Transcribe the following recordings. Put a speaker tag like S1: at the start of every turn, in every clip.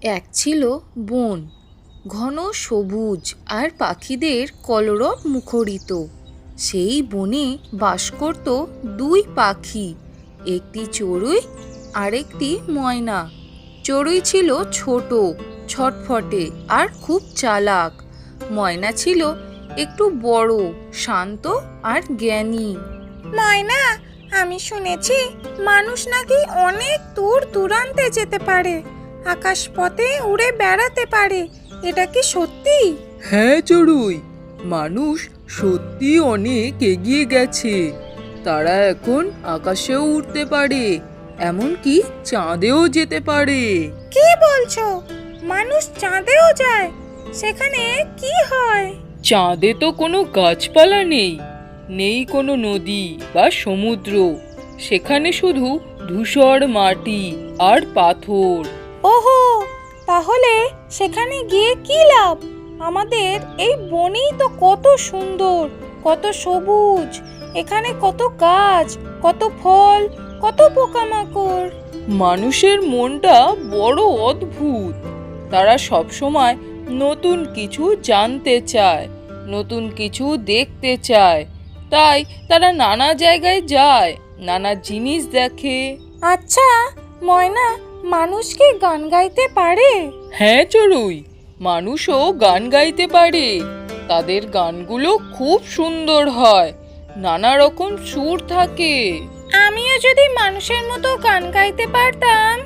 S1: এক ছিল বন, ঘন সবুজ আর পাখিদের কলরব মুখরিত। সেই বনে বাস করত দুই পাখি, একটি চড়ুই আর একটি ময়না। চড়ুই ছিল ছোট, ছটফটে আর খুব চালাক। ময়না ছিল একটু বড়, শান্ত আর জ্ঞানী।
S2: ময়না, আমি শুনেছি মানুষ নাকি অনেক দূর দূরান্তে যেতে পারে, আকাশপথে উড়ে বেড়াতে পারে। এটা কি সত্যি?
S3: হ্যাঁ চড়ুই, মানুষ সত্যি অনেক এগিয়ে গেছে। তারা এখন আকাশেও উঠতে পারে, এমনকি চাঁদেও যেতে পারে।
S2: কি বলছো? মানুষ চাঁদেও যায়? সেখানে কি হয়?
S3: চাঁদে তো কোনো গাছপালা নেই, নেই কোনো নদী বা সমুদ্র। সেখানে শুধু ধূসর মাটি আর পাথর।
S2: ওহো, তাহলে সেখানে গিয়ে কি লাভ? আমাদের এই বনেই তো কত সুন্দর, কত সবুজ। এখানে কত গাছ, কত ফল, কত পোকামাকড়।
S3: মানুষের মনটা বড় অদ্ভুত। তারা সবসময় নতুন কিছু জানতে চায়, নতুন কিছু দেখতে চায়। তাই তারা নানা জায়গায় যায়, নানা জিনিস দেখে।
S2: আচ্ছা ময়না, মানুষ কি গান গাইতে পারে?
S3: হ্যাঁ চড়ুই, মানুষও গান গাইতে পারে। তাদের গানগুলো খুব সুন্দর হয়, নানা রকম সুর থাকে।
S2: আমিও যদি মানুষের মতো গান গাইতে পারতাম।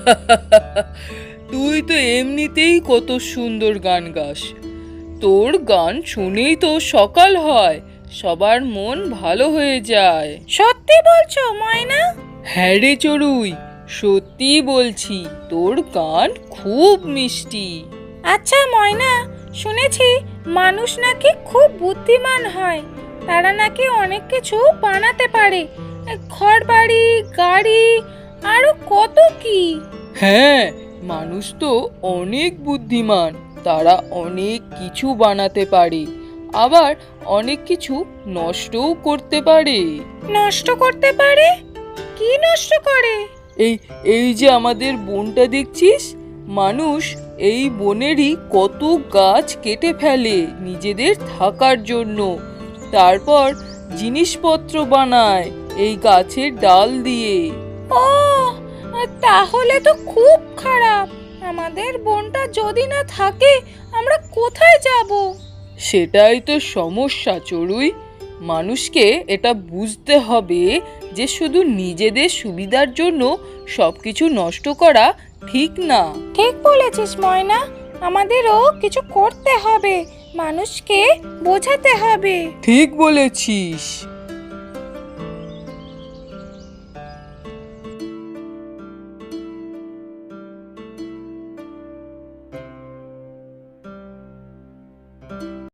S3: তুই তো এমনিতেই কত সুন্দর গান গাস। তোর গান শুনেই তো সকাল হয়, সবার মন ভালো হয়ে যায়।
S2: সত্যি বলছো ময়না?
S3: হ্যাঁ রে চড়ুই, সত্যি বলছি, তোর গান খুব মিষ্টি।
S2: আচ্ছা ময়না, শুনেছি মানুষ নাকি খুব বুদ্ধিমান হয়। তারা নাকি অনেক কিছু বানাতে পারে, ঘরবাড়ি, গাড়ি, আরো কত কি।
S3: হ্যাঁ, মানুষ তো অনেক বুদ্ধিমান। তারা অনেক কিছু বানাতে পারে, আবার অনেক কিছু নষ্টও করতে পারে।
S2: নষ্ট করতে পারে? কি নষ্ট করে?
S3: এই এই যে আমাদের বনটা দেখছিস, মানুষ এই বনেরই কত গাছ কেটে ফেলে নিজেদের থাকার জন্য। তারপর জিনিসপত্র বানায় এই গাছের ডাল দিয়ে।
S2: ও, তাহলে তো খুব খারাপ। আমাদের বনটা যদি না থাকে, আমরা কোথায় যাব?
S3: সেটাই তো সমস্যা চড়ুই। মানুষকে এটা বুঝতে হবে যে শুধু নিজেদের সুবিধার জন্য সবকিছু নষ্ট করা ঠিক না।
S2: ঠিক বলেছিস ময়না, আমাদেরও কিছু করতে হবে, মানুষকে বোঝাতে হবে।
S3: ঠিক বলেছিস।